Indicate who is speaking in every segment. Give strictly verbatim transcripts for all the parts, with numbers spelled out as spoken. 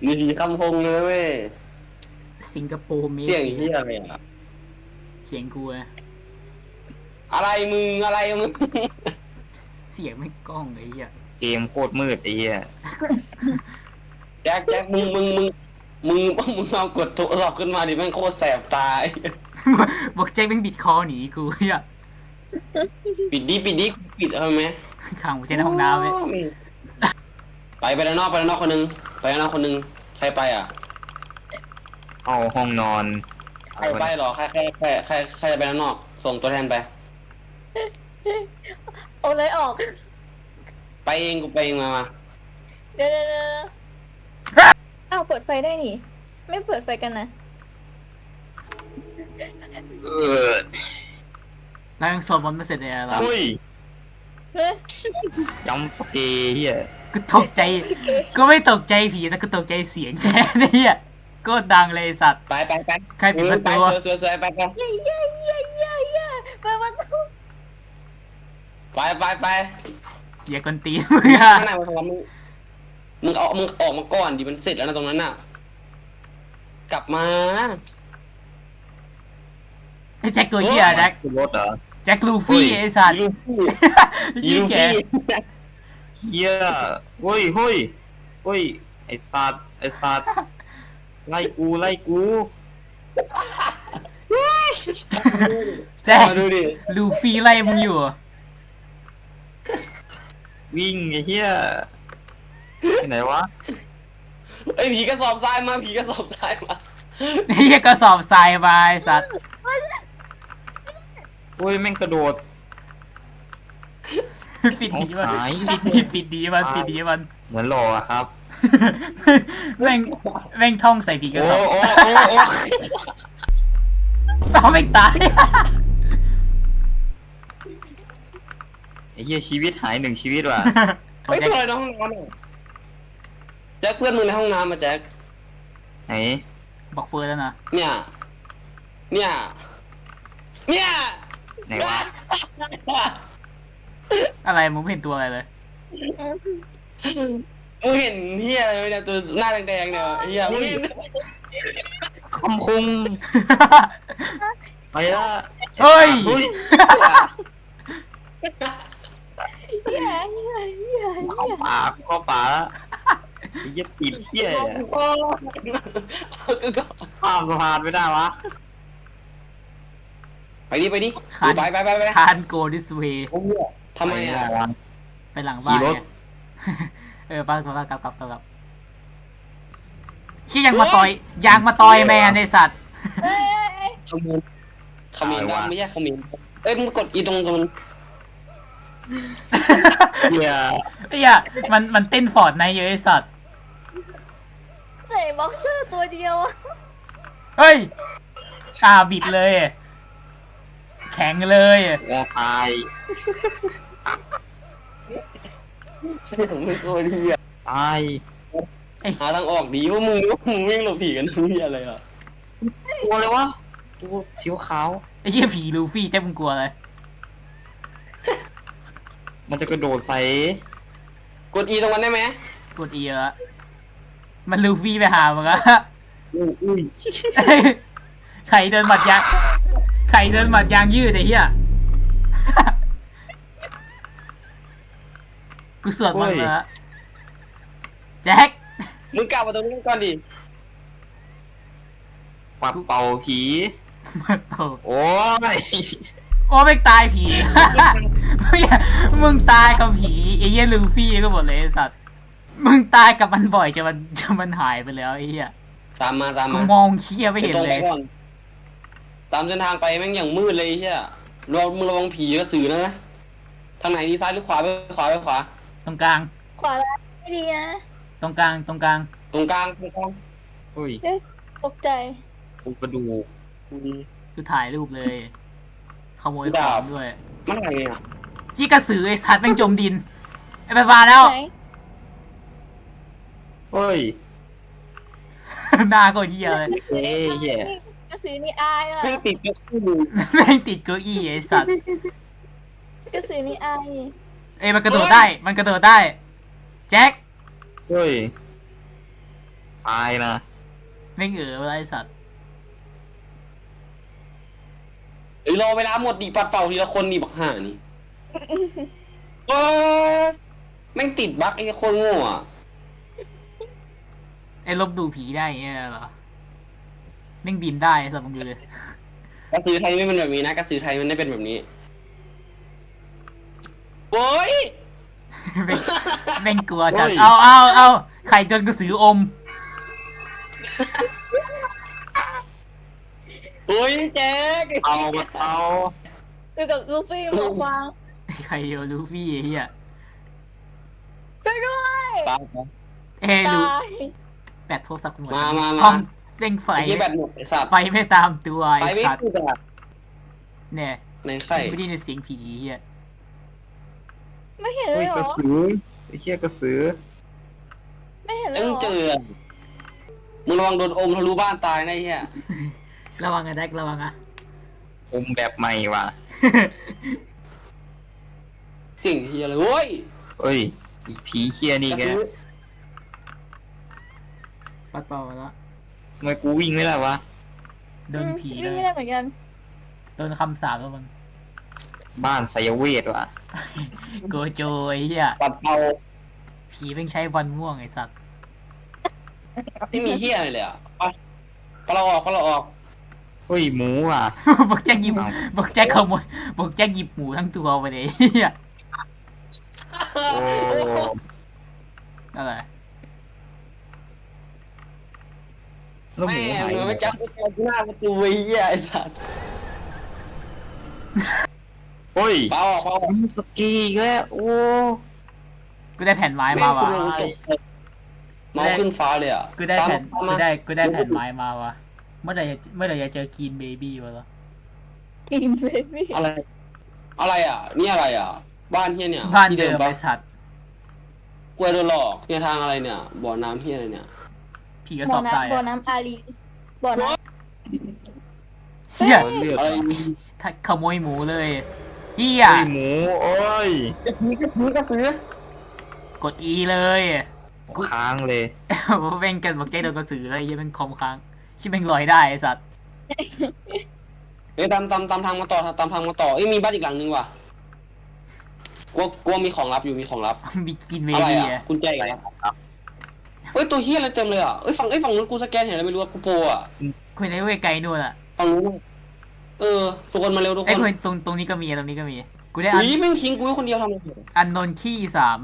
Speaker 1: มีผีคำพงเลยเว้ย
Speaker 2: สิงคโปร์เมส
Speaker 1: เสียงเฮียอะไรอ่ะ
Speaker 2: เสียงกูอะ
Speaker 1: อะไรมึงอะไรมึง
Speaker 2: เสียงไม่กล้องไอ้เหี้ย
Speaker 3: เกมโคตรมืดไอ้เหี้ย
Speaker 1: แจ็คแจ็คมึงมึงมึงมึงมึงเอากดโทรศัพท์ขึ้นมาดิแม่งโคตรแสบตา
Speaker 2: บอกแจ็คเป็นบิดคอหนีกูเหี้ย
Speaker 1: ปิดดิปิดดิปิดเอาไหม
Speaker 2: ขังกูในห้องน้ำเลย
Speaker 1: ไปไปด้านนอกไปด้านนอกคนนึงไปด้านนอกคนนึงใครไปอ่ะ
Speaker 3: เอาห้องนอน
Speaker 1: ใครไปหรอใครใครใครใครใครจะไปด้านนอกส่งตัวแทนไป
Speaker 4: เอาเลยออก
Speaker 1: ไปเองกูไปเองมามา
Speaker 4: เดี๋ยวเดี๋ยวเดี๋ยวอ้าวเปิดไฟได้นี่ ไม่เปิดไฟกันนะ
Speaker 3: เออ
Speaker 2: แล้วยังสวดมนต์ไม่เสร็จเลยอะเรา
Speaker 3: เฮ้ย
Speaker 4: เฮ้ย
Speaker 3: จำสเกย์เหี้ย
Speaker 2: กูตกใจก็ไม่ตกใจผีนะกูตกใจเสียงแทนไอ้เหี้ยโคตรดังเลยไอ้สัตว์
Speaker 1: ไปไปไป
Speaker 2: ใครปิดประตู
Speaker 1: ไปสวยสวยไปไป
Speaker 4: เย้เย้เย้เย้เย้ไปประตู
Speaker 1: ไปไปไป
Speaker 2: อย่ากวนตีนมึงอะ
Speaker 1: ข้างในมันทำมึงมึงเอามึงออกมาก่อนดิมันเสร็จแล้วนะตรงนั้นน่ะ กลับมา
Speaker 2: ไอ้แจ็คตัวเหี้ยแจ็ค
Speaker 3: คือรถเหรอ
Speaker 2: แจ็คลูฟี่ไอ้สัตว์
Speaker 1: ลูฟี่
Speaker 2: ยี่
Speaker 1: ลู
Speaker 2: แก
Speaker 1: ฟี่
Speaker 3: เหี้ยเฮ้ยเฮ้ยเฮ้ยไอ้สัตว์ไอ้สัตว์ไล่กูไล่กู
Speaker 2: แจ็ค
Speaker 1: มาดูดิ
Speaker 2: ลูฟี่ไล่มึงอยู่
Speaker 3: วิ่งไอ้เหี้ยไปไหนวะ
Speaker 1: ไอ้ยผีกระสอบทรายมาผีกระสอบทรายมา
Speaker 2: ไอ้เหี้ยกระสอบทรายมาไอ้สัตว์
Speaker 3: โอ้ยแม่งกระโดด
Speaker 2: ปิดดีมัน
Speaker 3: เอาหาย
Speaker 2: ปิดดีปิดดีมันปิดดีมัน
Speaker 3: เหมือนหล่ออะครับ
Speaker 2: แม่งแม่งท่องใส่ผีกระ
Speaker 3: โอ้
Speaker 2: สอบ
Speaker 3: โอ้โอ้โอ้
Speaker 2: เอาแม่งตาย
Speaker 3: ไอ้เหี้ยชีวิตหายหนึ่งชีวิตว่ะ
Speaker 1: เฮ้ยเพื่อนในห้องน้ำอ่ะแจ็คเพื่อนมึงในห้องน้ำมาแจ็ค
Speaker 3: ไหน
Speaker 2: บอกเฟิร์นแล้วนะ
Speaker 1: เนี่ย เนี่ย เนี่ย
Speaker 3: ไหนวะ
Speaker 2: อะไรมึงไม่เห็นตัวอะไรเลย
Speaker 1: มึงเห็นเฮียอะไรไหมเนี่ยตัวหน้าแดงๆเนี่ยเฮียมึงเห็น
Speaker 3: คำคงไปละ
Speaker 2: เฮ้ย
Speaker 3: เฮ้ย
Speaker 4: เย้เย้เย้
Speaker 3: เข้าป่าเข้าป่าละไอ้เหี้ยติดเหี้ยเนี่ย
Speaker 1: โอ้ก็
Speaker 3: ข้ามสะพานไม่ได้วะ
Speaker 1: ไปดิไปดิ
Speaker 2: คัน
Speaker 1: ไปไปไปไป
Speaker 2: คานโกดิสเวย์
Speaker 1: ทำไมอ่ะ
Speaker 3: วะ
Speaker 2: ไปหลังบ้าน
Speaker 3: ขี่รถ
Speaker 2: เนี่ยเออไป้าป้ากลับกลับกลับกลับขี้ยังมาต่อยยางมาต่อยแมนในสัตว์
Speaker 4: เอ้ยเอ้ย
Speaker 1: ขมิ้นขมิ้นดำไม่ใช่ขมิ้นเอ้ยมึงกดอีตรงตรง
Speaker 3: เหี้ย
Speaker 2: ไอ้เหี้ยมันมันเต้นฟอร์ดในเยอะไอ้สัตว์
Speaker 4: ใส่บ็อกเซอร์ตัวเดียวอะ
Speaker 2: เฮ้ยอ่าบิดเลย แข็งเลย
Speaker 3: งอตาย
Speaker 1: เสียงไม่โคตรเฮีย
Speaker 3: ตาย
Speaker 1: หาทางออกดีว่ามึงว่ามึงวิ่งหลบผีกันเฮียอะไรอ่ะ
Speaker 3: ตัวเลยวะตัวสีขาว
Speaker 2: ไอ้เหี้ยผีลูฟี่เจ๊มึงกลัวเลย
Speaker 3: มันจะกระโดดใส่
Speaker 1: กดอีตรงนั้นได้ไหม
Speaker 2: กดอีแล้วมันลูฟี่ไปหามึงอะ
Speaker 3: อุ้ยอุ้ย
Speaker 2: ใครเดินหมัดยางใครเดินหมัดยางยืดไอ้เหี้ย กูสวดมนต์แล้วแจ็ค
Speaker 1: มึงกลับมาตรงนี้ก่อนดิ
Speaker 3: ปัดเป่าผี
Speaker 2: มันโต
Speaker 3: โอ้ย
Speaker 2: โอ้ไม่งตายผี มึงตายกับผีไอ้เหี้ยลูฟี่ก็หมดเลยไอ้สัตว์มึงตายกับมันบ่อยจนมันจนมันหายไปแล้วไอ้เหี้ย
Speaker 1: ตามมาตาม
Speaker 2: กู
Speaker 1: มาม
Speaker 2: องเคี้ยไม่เห็น
Speaker 1: ตรง
Speaker 2: เล
Speaker 1: ไป
Speaker 2: ย
Speaker 1: ก่อนตามเส้นทางไปแม่งอย่างมืดเลยไอ้เฮียระวังมึงระวังผีกระสือนะทางไหนดีซ้ายหรือขวาไปขวาไปขวา
Speaker 2: ตรงกลาง
Speaker 4: ขวาแล้วไม่ดีนะ
Speaker 2: ตรงกลางตรงกลาง
Speaker 1: ตรงกลางตรงกลาง
Speaker 3: อุ้ย
Speaker 4: ตกใจ
Speaker 3: กูกระดูก
Speaker 2: กูถ่ายรูปเลยขโมยของด้วย
Speaker 1: มันอะไรเนี่ย
Speaker 2: ที่กระสือไอ้สัตว์แม่งจมดินไอ้ไปมาแล้ว
Speaker 4: ไหน
Speaker 3: เฮ้ย
Speaker 2: หน้าก็เหี้ยเลย
Speaker 3: เอ้ยเหี้ย
Speaker 4: กระสือนี่อายอ่ะ
Speaker 1: แม่งติดกับกู
Speaker 2: แม่งติดเก้าอี้ไอ้สัตว์
Speaker 4: กระสือนี่อาย
Speaker 2: เอ้ยมันกระโดดได้ มันกระโดดได้ แจ็ค
Speaker 3: เฮ้ยตายนะ
Speaker 2: ไม่เอออะไรสัตว์
Speaker 1: เอ้ยรอเวลาหมดดิปัดเป่าทีละคนดิบักห่านี่โอ้ยแม่งติดบั๊กไอ้คนโง่อะ
Speaker 2: ไอ้ลบดูผีได้อย่างเงี้ยเหรอแม่งบินได้สัตว์มึงดูเลย
Speaker 1: กระสือไทยไม่เป็นแบบนี้นะกระสือไทยมันไม่เป็นแบบนี้โอ้ย
Speaker 2: แม่งแม่งกลัวจัดเอาเอาเอาไข่จนกระสืออม
Speaker 1: โอ้ยแจ๊ก
Speaker 3: เอามาเอา
Speaker 4: อยู่กับลูฟี่หมวกฟาง
Speaker 2: ไข่โยลูฟี่ไอ้เหี้ย
Speaker 4: ไปด้วย
Speaker 1: ตาย
Speaker 2: เอ้ย
Speaker 4: ต
Speaker 2: ลู
Speaker 4: าย
Speaker 2: แปดโทรศัพท์กูหมด
Speaker 1: มามามา
Speaker 2: ห้องเร่งไฟ
Speaker 1: ไอ้ที่แบตหมดไอ้สัตว์
Speaker 2: ไฟไม่ตามตัว
Speaker 1: ไป
Speaker 2: ไอ้
Speaker 1: ไม่
Speaker 2: สัตว์
Speaker 1: ถูกอะ
Speaker 2: เนี่ย
Speaker 1: ในไข่
Speaker 2: ไม่ได้ยินเสียงผีเหี้ย
Speaker 4: ไม่เห็นเล
Speaker 3: เฮ้ย
Speaker 4: ยเหร
Speaker 3: กระ
Speaker 4: อ
Speaker 3: สือไอ้เหี้ยกระสือ
Speaker 4: ไม่เห็นเล
Speaker 1: แล้
Speaker 4: ยว เห
Speaker 1: มึ
Speaker 4: รง
Speaker 1: เจ
Speaker 4: อ
Speaker 1: อมึงระวังโดนอมทะลุบ้านตายนะไอ้เหี้ย
Speaker 2: ระวังอะแดกระวังอะ
Speaker 3: อมแบบใหม่ว่ะ
Speaker 1: สิ่งเฮียเลยโว้ย
Speaker 3: เอ้ยอีผีเคียนี่แก
Speaker 2: ปัดเป่ามาแล้ว
Speaker 3: ทำไมกูวิ่งไม่ได้วะ
Speaker 2: โดนผี
Speaker 4: อืม
Speaker 2: เล
Speaker 4: วิ่ง
Speaker 2: ย
Speaker 4: ไม่ได้เหมือนกัน
Speaker 2: โดนคำสาปแล้วมึง
Speaker 3: บ้านไสยเวทว่ะ
Speaker 2: โกโจไอ้เหี้ย
Speaker 1: ปัดเป่า
Speaker 2: ผีเป็นใช้วันม่วงไอ้สัตว์
Speaker 1: ไม่มีเฮียอะไรเลยอ่ะไปไปเราออกไปเราออก
Speaker 3: เฮ้ยหมูว่ะ
Speaker 2: บอกแจ็คหยิบ
Speaker 3: เอา
Speaker 2: บอกแจ็คขโมยบอกแจ็คหยิบหมูทั้งตัวไปเลยไอ้เหี้ย
Speaker 3: โอ้
Speaker 2: อะไร
Speaker 3: แล้วห
Speaker 1: แม่
Speaker 3: มูหาย
Speaker 1: งไม่จับกูเจอหน้าประตูไอ้เหี้ยไอ้สัตว์
Speaker 3: เฮ้ย
Speaker 1: เปล่าออกเปล่าออก
Speaker 3: สกีอีกแล้วโอ้
Speaker 2: กูได้แผ่นไม้มาว่ะ
Speaker 1: แงกูโดนตกเลยเมาส์ขึ้นฟ้าเลยอ่ะ
Speaker 2: กูได้แผ่น
Speaker 1: ตาม
Speaker 2: กู
Speaker 1: มา
Speaker 2: ได้กูได้แผ่นไม้มาว่ะเมื่อไหร่จะเมื่อไหร่จะเจอกีนเบบี้วะเหรอ
Speaker 4: กินเลยพี่
Speaker 1: อะไร อะไรอ่ะ นี่อะไรอ่ะ บ้านเฮียเนี่ย
Speaker 2: บ้าน
Speaker 1: ที่
Speaker 2: เดิม
Speaker 1: ปะ
Speaker 2: ไอ้สัตว์
Speaker 1: กล้วยโดนหลอกเนี่ยทางอะไรเนี่ย บ่อน้ำเฮียอะไรเนี่ย
Speaker 2: ผีกระ
Speaker 4: บ่
Speaker 2: ส
Speaker 4: อ
Speaker 2: อบทราย
Speaker 4: น้ำบ่อ
Speaker 2: อะ
Speaker 4: น้ำอาลีบ่อน้
Speaker 2: เหี้ย
Speaker 3: เลือด
Speaker 1: อะไร
Speaker 3: ว่ะ
Speaker 2: ถ้าขโมยหมูเลยเหี้ย
Speaker 3: เฮ้ยหมูโอ้ย
Speaker 1: กระซื้อกระซื้อกระซื้อก
Speaker 2: ด E เลย
Speaker 3: ค้างเลย
Speaker 2: ว่าแม่งกันบอกแจ็คโดนกระสือเลยยังเป็นคอมค้างชิบแม่งลอยได้ไอ้สัตว์
Speaker 1: เอ้ยตามตามตามทางมาต่อตามทางมาต่อเอ้ยมีบ้านอีกหลังนึงว่ะกลัวกลัวมีของลับอยู่มีของลับ
Speaker 2: มีกินเบ
Speaker 1: อะไร
Speaker 2: บี้
Speaker 1: อ่ะ
Speaker 2: อะ
Speaker 1: กุญแจอีกแล้วเอ้ยตัวเฮียอะไรเต็มเลยอ่ะเอ้ยฝั่งเอ้ยฝั่งนู้นกูสแกนเห็นอะไรไม่รู้อะกูโปรอ่ะ
Speaker 2: คุยในเว้ยไกลนู่นอะ
Speaker 1: ฝั่งนู้นเออทุกคนมาเร็วทุกค
Speaker 2: ไอ้
Speaker 1: น
Speaker 2: คุยตรงตรงนี้ก็มีตรงนี้ก็มีกูได้อัน
Speaker 1: อุ้ยแม่งทิ้งกูไว้คนเดียวทำไม
Speaker 2: อันนนขี้สาม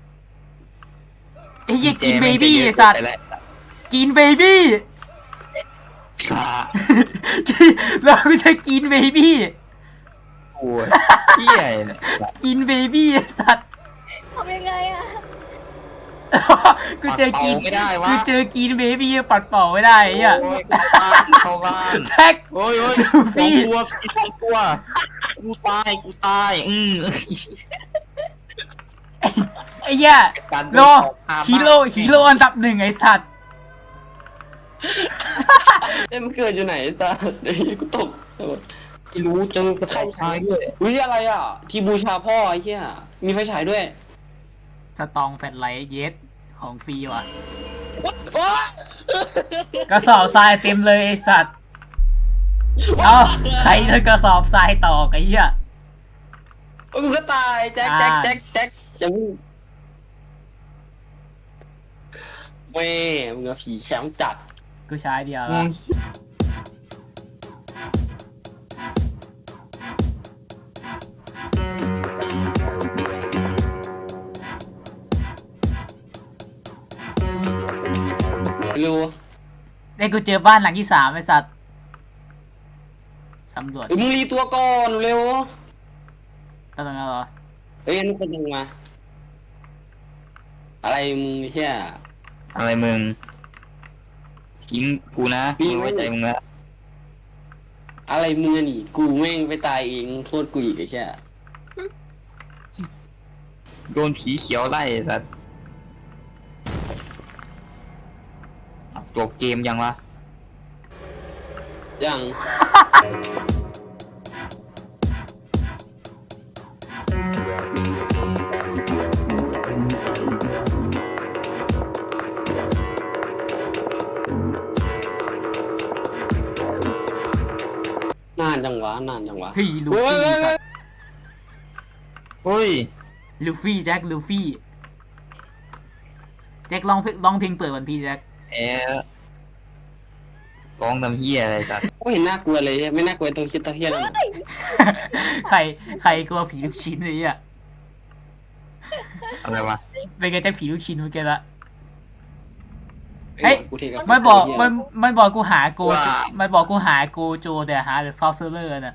Speaker 2: ไอ้เหี้ยกิน
Speaker 3: แม่
Speaker 2: เบ
Speaker 3: งจะ
Speaker 2: บี้
Speaker 3: เยอะ
Speaker 2: ไอ้สัตว์
Speaker 3: แต่ละ
Speaker 2: กินเบบี้
Speaker 3: ขา
Speaker 2: เราจะกินเบบี้
Speaker 3: โอ้ยเหี้ยเนี่ย
Speaker 2: กินเบบี้ไอ้สัตว์
Speaker 4: ำทำยังไงอ่ะ
Speaker 2: กูเจอกิน
Speaker 3: ปัดเป่าไม่ได้วะ
Speaker 2: กูเจอกินเบบี้ปัดเป่าไม่ได้ไอ้เหี้ย
Speaker 3: โอ้ยเข้าบ้าน
Speaker 2: แจ็ค
Speaker 3: โอ้ยโอ้ย
Speaker 2: ลู
Speaker 3: สอง
Speaker 2: ฟี่
Speaker 3: ตัวสองตัวกูตายกูตายอืม
Speaker 2: ไอ้เหี้ย
Speaker 3: ไอ้สัตว์
Speaker 2: โล
Speaker 3: เดินออกหาบ้าน
Speaker 2: ฮีโร่ฮีโร่อันดับหนึ่งไอ้สัตว์
Speaker 1: เอ้ยมันเกิดอยู่ไหนตาเดี๋ยวกูตก
Speaker 3: ไม่รู้เจอกระสอบทรายด้วย
Speaker 1: อุ้ยอะไรอ่ะ ที่บูชาพ่อไอ้เหี้ยมีไฟฉายด้วย
Speaker 2: สตองแฟลชไลท์เยสของฟรีว่ะ
Speaker 1: โอ๊ย
Speaker 2: กระสอบทรายเต็มเลยไอ้สัตว์เอาใครโดนกระสอบทรายต่อไอ้เหี้ย
Speaker 1: โอ้ยมึงก็ตายแจ็คแจ็คแจ็คแจ็คอย่ามึงแม่มึงอะผีแชมป์จัด
Speaker 2: กูใช้เดียว
Speaker 3: ม
Speaker 2: แล้
Speaker 3: อ
Speaker 2: ว
Speaker 3: ง
Speaker 1: เร็ว
Speaker 2: ไอ้กูเจอบ้านหลังที่สามไอ้สัตว์สำรวจ
Speaker 1: เอ้ยมึงรีตัวก่อนเร็ว
Speaker 2: ก็ตรงนั้นเหรอ
Speaker 1: เอ้ยนี่เป็นยังมา อะไรมึงเฮีย
Speaker 3: อะไรมึงทิ้งกูนะ
Speaker 1: มี
Speaker 3: กู
Speaker 1: ไหม
Speaker 3: ไว้ใจมึงละ
Speaker 1: อะไรมึงอะนี่กูแม่งไปตายเองโทษกูอีกไอ้แค่
Speaker 3: โดนผีเขียวไล่สัตว์จบเกมยังวะ
Speaker 1: ยังานจังวะนานจังวะ
Speaker 2: เฮ้ยลู
Speaker 1: เฮ้ย
Speaker 2: ฟี่
Speaker 1: เฮ้ย
Speaker 2: สั
Speaker 1: เฮ้ย
Speaker 2: ตว์
Speaker 3: เฮ้ย
Speaker 2: ลูฟี่แจ็คลูฟี่แจ็คร้องเพลงร้องเพลงเปิดวันพี่แจ็ค
Speaker 3: แอะร้องทำเฮียอะไรสัตว์
Speaker 1: ไม่เห็นน่ากลัวเลยไม่น่ากลัวตรงคิดตะเทียนนั่นน่ะ
Speaker 2: ใครใครกลัวผีลูกชิ้นเลยอ่ะ
Speaker 3: อะไรวะ
Speaker 2: เป็นไงแจ็คผีลูกชิ้นเมื่อกี้ละ เฮ้
Speaker 1: เฮ้
Speaker 2: ย
Speaker 1: ยกูเทกับ
Speaker 2: มันบอก
Speaker 1: เหี้ย
Speaker 2: มันมันบอกกูหาโกมันบอกกูหาโกโจแต่หาแต่ซอสเซอร์น่ะ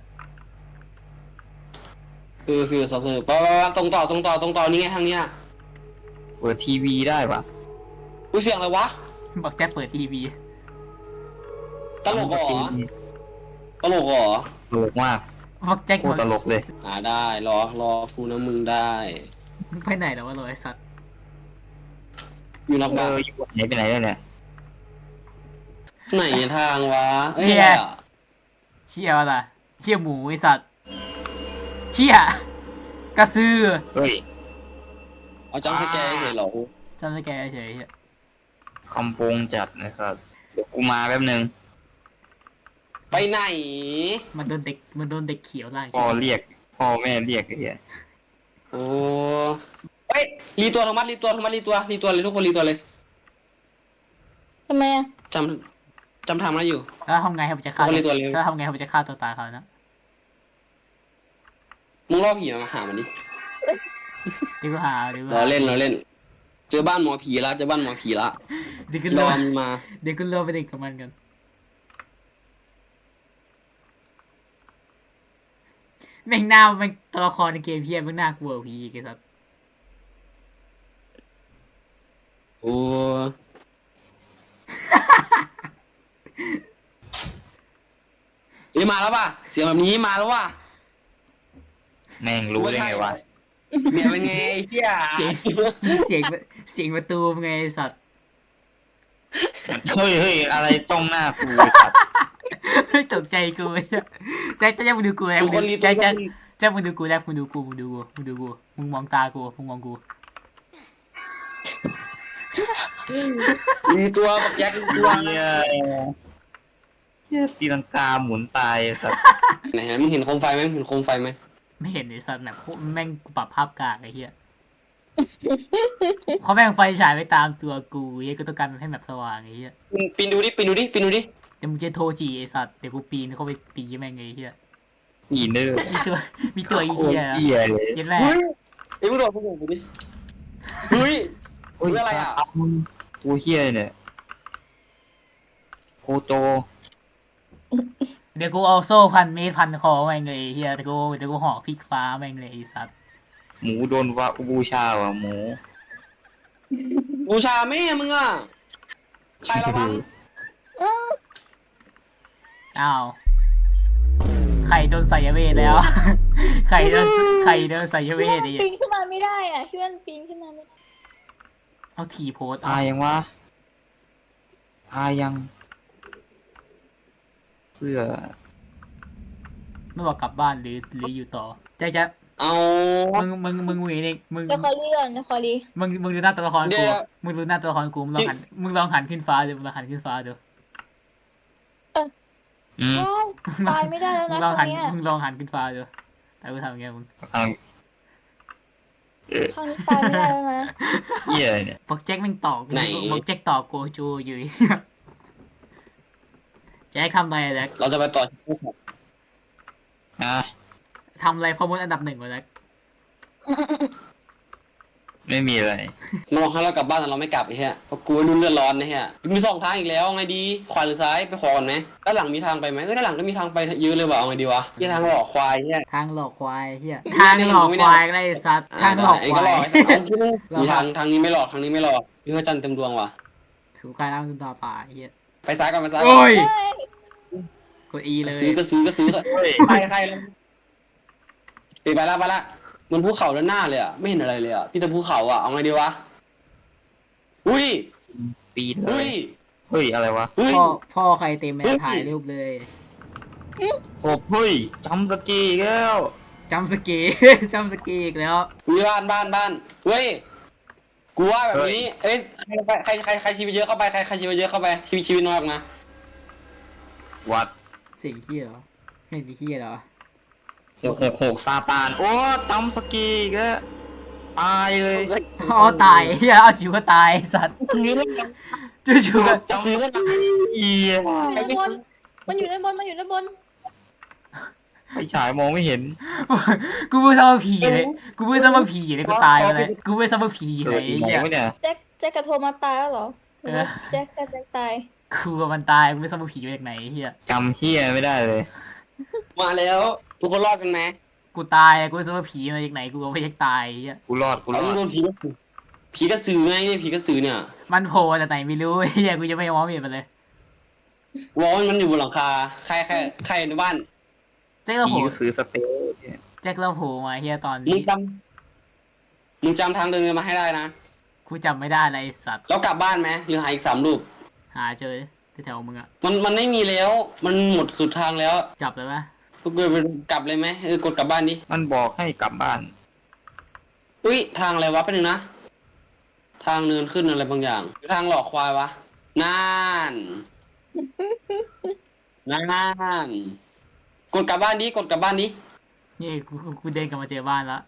Speaker 1: คือฟิวซอสเซอร์ปะปะปะตรงต่อตรงต่อตรงต่อนี่ไงทางเนี้ย
Speaker 3: เปิดทีวีได้ปะ
Speaker 1: กูเสียงอะไรวะ
Speaker 2: บอกแจ็คเปิดทีวี
Speaker 1: ตลกเหรอตลกเหรอ
Speaker 3: ตลกมาก
Speaker 2: บอกแจ็ค
Speaker 3: โคตรตลกเลย
Speaker 1: อ่าได้รอรอกูนะมึงได้
Speaker 2: มึงไปไหนแล้ววะโรยสัตว์
Speaker 1: อยู่นอก
Speaker 3: เอ
Speaker 1: บ้าน
Speaker 3: ออยู่ไหนไปไหนแล้วเนี่ย
Speaker 1: ไหนทางวะเอ้ยอะไรอ่ะ
Speaker 2: เชี่ยวล่ะเชี่ยหมูไอสัตว์เชี่ยกระซือ
Speaker 3: เฮ้ย
Speaker 1: เอาจังสแกร์เฉยเหรอ
Speaker 2: จำได้แกเฉยๆ
Speaker 3: คำโปงจัดนะครับเดี๋ยวกูมาแป๊บนึง
Speaker 1: ไปไหน
Speaker 2: มันโดนเด็กมันโดนเด็กเขียวไล่
Speaker 3: พ่อเรียกพ่อแม่เรียกไอ้เหี้ย
Speaker 1: โอ้เฮ้ยรีตัวธรรมัดรีตัวธรรมัดรีตัวรีตัวเลยทุกคนรีตัวเลย
Speaker 4: ทำไมอะ
Speaker 1: จำจำทำอะไรอยู่
Speaker 2: แล้วทำไงให้ผมจะฆ่า
Speaker 1: เอาเลยตัวเร็ว
Speaker 2: แล้วทำไงให้ผมจะฆ่าตัวตายเขานะ
Speaker 1: มึงล่อผีมาหามันดิ
Speaker 2: เดี๋ยวกูหาเดี๋ยวกู
Speaker 1: เรา
Speaker 2: หา
Speaker 1: เล่นเราเล่น เจอบ้านหมอผีละเจอบ้านหมอผีละ
Speaker 2: เดี๋ยวกู
Speaker 1: ร
Speaker 2: ร
Speaker 1: อ
Speaker 2: อ
Speaker 1: มันมา
Speaker 2: เดี๋ยวกูรอไปเด็กกับมันกันแม่งหน้ามันตัวละครในเกมเพี้ยนแม่งน่ากลัวกว่าผีอีกไอ้สัส
Speaker 1: โอ้เอ้ยมาแล้วป่ะเสียงแบบนี้มาแล้วว่ะ
Speaker 3: แม่งรู้ได้ไงวะ
Speaker 1: เมียเป็นไงไอ้เหี้ย
Speaker 2: เสียงเสียงเสียงประตูเป็นไงไอ้สัตว์
Speaker 3: เฮ้ยเฮ้ยอะไรจ้องหน้ากูไอ้สัตว์
Speaker 2: ตกใจกูไอ้เหี้ยแจ็คแจ็คมึงดูกูแจ็ค
Speaker 1: ทุก
Speaker 2: มึ
Speaker 1: คน
Speaker 2: ง
Speaker 1: รี
Speaker 2: ดู
Speaker 1: ตัว
Speaker 2: แจ็คแจ็คแจ็คมึงดูกูแจ็คมึงดูกูมึงดูกูมึงดูกูมึงมองตากูมึงมองกู
Speaker 1: รีตัวบักแจ็ครีตัว
Speaker 3: เฮียเฮียตีลังกาหมุนตายไอ้สัตว์
Speaker 1: ไหนฮะมึงเห็นโคมไฟไหมมึงเห็นโคมไฟไหม
Speaker 2: ไม่เห็นไอ้สัตว์แบบโคตรแม่งกูปรับภาพกากไอ้เหี้ยเขาแม่งไฟฉายไปตามตัวกูเหี้ยก็ต้องการให้แบบสว่างไอ้เหี้ย
Speaker 1: มึงปีนดูดิปีนดูดิปีนดูดิ
Speaker 2: เดี๋ยวมึงจะโทรจีไอ้สัตว์เดี๋ยวกูปีนเข้าไปปีแม่งไอ้เหี้ย
Speaker 3: อีเนอร์
Speaker 2: มีตัวมีตัวไอ้
Speaker 3: โคต
Speaker 2: เหี้
Speaker 3: ร
Speaker 2: ย
Speaker 3: เฮียเลย
Speaker 2: เหี้ยันแรก
Speaker 1: เฮ้ยไอ้มึงโดดมึงโดดกูดิเฮ้ย
Speaker 3: โอ้ย
Speaker 1: เพื่ออะไรอ่ะ
Speaker 3: สัตว์ตัวเฮียเนี่ยโคโต
Speaker 2: เดี๋ยวกูเอาโซ่พันเมตรพันคอแม่งเลยไอ้เหี้ยเดี๋ยวกูเดี๋ยวกูห่อพริกฟ้าแม่งเลยไอ้สัตว์
Speaker 3: หมูโดนวะบูชาว่ะหมู
Speaker 1: บูชาแม่มึงอ่ะใครระวัง
Speaker 2: อ้าวไข่โดนใส่เวทแล้ว ไข่โดนไข่โดนใส่เว
Speaker 4: พี่
Speaker 2: ท
Speaker 4: มัน
Speaker 2: ไอ้
Speaker 4: ปีนขึ้นมาไม่ได้อ่ะพี่มันปีนขึ้นมาไม่ได้
Speaker 2: เอาทีโพส
Speaker 3: ตายยังวะตายยัง เสื้อ
Speaker 2: ไม่บอกกลับบ้านหรือหรืออยู่ต่อแจ๊คแจ๊ค
Speaker 1: เอา
Speaker 2: มึงมึงมึงมึงนี่มึง
Speaker 4: เดี๋ยวขอรีก่อนเดี๋ยวขอรี
Speaker 2: มึงมึงดูหน้าตัวละคร
Speaker 1: เดี๋
Speaker 2: กู
Speaker 1: ยว
Speaker 2: มึงดูหน้าตัวละครกูมึงลองหันมึงลองหันขึ้นฟ้าดูมึงลองหันขึ้นฟ้าดู
Speaker 3: อืม
Speaker 4: ว้าวตายไม่ได้แล้ว
Speaker 2: มึ
Speaker 4: นะ
Speaker 2: งลอง
Speaker 4: ค
Speaker 2: หั
Speaker 4: รั้
Speaker 2: น
Speaker 4: งเนี้ย
Speaker 2: มึงลองหันขึ้นฟ้าดูแต่กูทำยังไงมึง
Speaker 3: ทาง
Speaker 4: ครั้งนี้ตายไม่ได้แล้วนะ
Speaker 3: เฮียเนี่ย
Speaker 2: บอกแจ็คแม่งตอก
Speaker 1: ไหน
Speaker 2: บอกแจ็คตอกโกโจอยู่ แจ็คทำอะไรอะแจ็ค
Speaker 1: เราจะไปต่อ
Speaker 3: ฮะ
Speaker 2: ทำอะไรพอมดอันดับหนึ่งวะแจ็ค
Speaker 3: ไม่มีอะไร
Speaker 1: มันบอกให้เรากลับบ้านแต่เราไม่กลับไอ้เหี้ยเพราะกูรุ่นเลือดร้อนนะเหี้ยมีสองทางอีกแล้วไงดีขวาหรือซ้ายไปขอก่อนไหมด้านหลังมีทางไปไหมเออด้านหลังก็มีทางไปเยอะเลยว่ะเอาไงดีวะที่ทางหลอกควายเนี่ย
Speaker 2: ทางหลอกควายเฮียทางหลอกควายก็ได้ไอ้สัตว์ทางหลอก
Speaker 1: ไอ้
Speaker 2: ค
Speaker 1: ก็
Speaker 2: วา
Speaker 1: หลอก
Speaker 2: ย
Speaker 1: ไอ้สัตว์เอามีทางทางนี้ไม่หลอกทางนี้ไม่หลอกพี่พระจันทร์เต็มดวงว่ะ
Speaker 2: ถูกการนั่งตาป่าไอ้เฮีย
Speaker 1: ไปซ้ายก่อนไปซ้ายก่
Speaker 2: โอ้
Speaker 1: อน
Speaker 2: ย
Speaker 4: เฮ้ย
Speaker 2: กดอีเลย
Speaker 1: ซื้อก็ซื้อก็ซื้อก็
Speaker 3: เฮ้ย
Speaker 1: ใครใครเลยไปไปละไปละมันภูเขาด้านหน้าเลยอ่ะไม่เห็นอะไรเลยอ่ะพี่แต่ภูเขาอ่ะเอาไงดีวะอุ้ย
Speaker 3: ปีนเล
Speaker 1: อุ้
Speaker 3: ย
Speaker 1: ย
Speaker 3: เฮ้ยอะไรวะ
Speaker 1: อุ้ย
Speaker 2: พ่อพ่อใครเต็มแม่
Speaker 1: เฮ้ย
Speaker 2: ถ่ายรูปเลย
Speaker 3: ศพเฮ้ยจำสกีอีกแล้ว
Speaker 2: จำสเกี จำสเกีอีกแล้ว
Speaker 1: อุ้ยบ้านบ้านบ้านเฮ้ยกูว่าแบบนี้เอ้ยใครใครใครใครชีวิตเยอะเข้าไปใครใครชีวิตเยอะเข้าไปชีวิตชีวิตน้อยออกมา
Speaker 3: วัด
Speaker 2: สิ่งที่เหรอไม่มีที่เหรอ
Speaker 3: หกหกหกซาตานโอ้จำสกีอีก็ตายเลย
Speaker 2: อ๋อตายเฮียเอาจิ๋วก็ตายไอ้สัตว์
Speaker 1: ซื้อแล้วนะ
Speaker 2: จู่ๆก็
Speaker 1: จะซื้อแล้วนะ
Speaker 3: เอีย
Speaker 4: อยู่ด้านบน มันอยู่ด้านบน มันอยู่ด้านบน
Speaker 3: ไฟฉายมองไม่เห็น
Speaker 2: กูพูดซ้ำว่าผีเลยกูพูดซ้ำว่าผีเลยกูตายไปเลยกูพูดซ้ำว่าผี
Speaker 3: เอ
Speaker 2: เล
Speaker 3: อย อีกไหน
Speaker 2: ไอ้เหี้ยว
Speaker 3: ะเนี่ย
Speaker 4: แจ็คแจ็คกับโทมัสตายแล้วเหรอหรือว่า
Speaker 2: เออ
Speaker 4: แจ็คกับแจ็คตาย
Speaker 2: กูกับมันตายกูไม่ซ้ำว่าผีมาจากไหนไอ้เฮีย
Speaker 3: จำเฮียไม่ได้เลย
Speaker 1: มาแล้ว ทุกคนรอดกันไหม
Speaker 2: กูตายอะกูไม่ซ้ำว่าผีมาจากไหนกูก็ไม่อยากตายไอ้เฮีย
Speaker 3: กูรอดกูร
Speaker 1: เรา
Speaker 3: อ
Speaker 1: ต้อง
Speaker 3: ด
Speaker 1: โดนผีกระสือผีกระสือไงเนี่ยผีกระสือเนี่ย
Speaker 2: มันโผล่จากไหนไม่รู้ไอ้เฮียกูจะไม่มองไม่เห็นมันเลย
Speaker 1: วอลมันอยู่บนหลังคาใครใครใครในบ้าน
Speaker 2: แจ็คเรา
Speaker 3: ผี
Speaker 2: โผล่
Speaker 3: ก็ซื้อสเปรย์เนี่ย
Speaker 2: แจ็คเราโผล่มาไอ้เฮียตอน
Speaker 1: มึ
Speaker 2: นี้
Speaker 1: งจำมึงจำทางเดินกันมาให้ได้นะ
Speaker 2: กูจำไม่ได้เลยไอ้สัตว์
Speaker 1: แล้วกลับบ้านไหมหรือหาอีกสามลูก
Speaker 2: หาเจอแถวๆมึงอะ
Speaker 1: มันมันไม่มีแล้ว มันหมดสุดทางแล้ว
Speaker 2: จับเลยปะ
Speaker 1: ก็เกิดเป็นกลับเลยไหมเออกดกลับบ้านดิ
Speaker 3: มันบอกให้กลับบ้าน
Speaker 1: อุ้ยทางอะไรวะเป็นหนึ่งนะ ทางเนินขึ้นอะไรบางอย่างหรือทางหลอกควายวะน่านน่านกดกลับบ้านดิกดกลับบ้านดิ
Speaker 2: นี่กูกูกูเดินกลับมาเจอบ้านแล้ว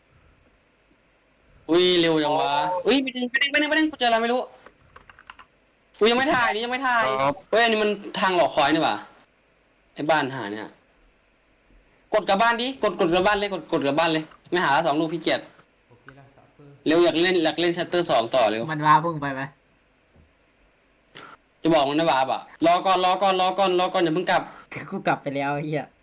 Speaker 1: อุ้ยเร็วจังวะอุ้ยไปดึงไปดึงไปดึงไปดึงกูเจออะไรไม่รู้อุ้ยยังไม่ถ่ายนี่ยังไม่ถ่าย
Speaker 3: ครับ
Speaker 1: เฮ้ยอันนี้มันทางหลอกควายนี่หว่าไอ้บ้านหาเนี่ยกดกลับบ้านดิกดกดกลับบ้านเลยกดกดกลับบ้านเลยไม่หาละสองลูกพี่เกียรติเร็วอยากเล่นอยากเล่นชัตเตอร์สองต่อเร็ว
Speaker 2: มันว่าพุ่งไปไหม
Speaker 1: จะบอกมันนะบาบอ่ะรอก่อนรอก่อนรอก่อนรอก่อนอย่าเพิ่งกลับ
Speaker 2: กูกลับไปแล้วไอ้เฮีย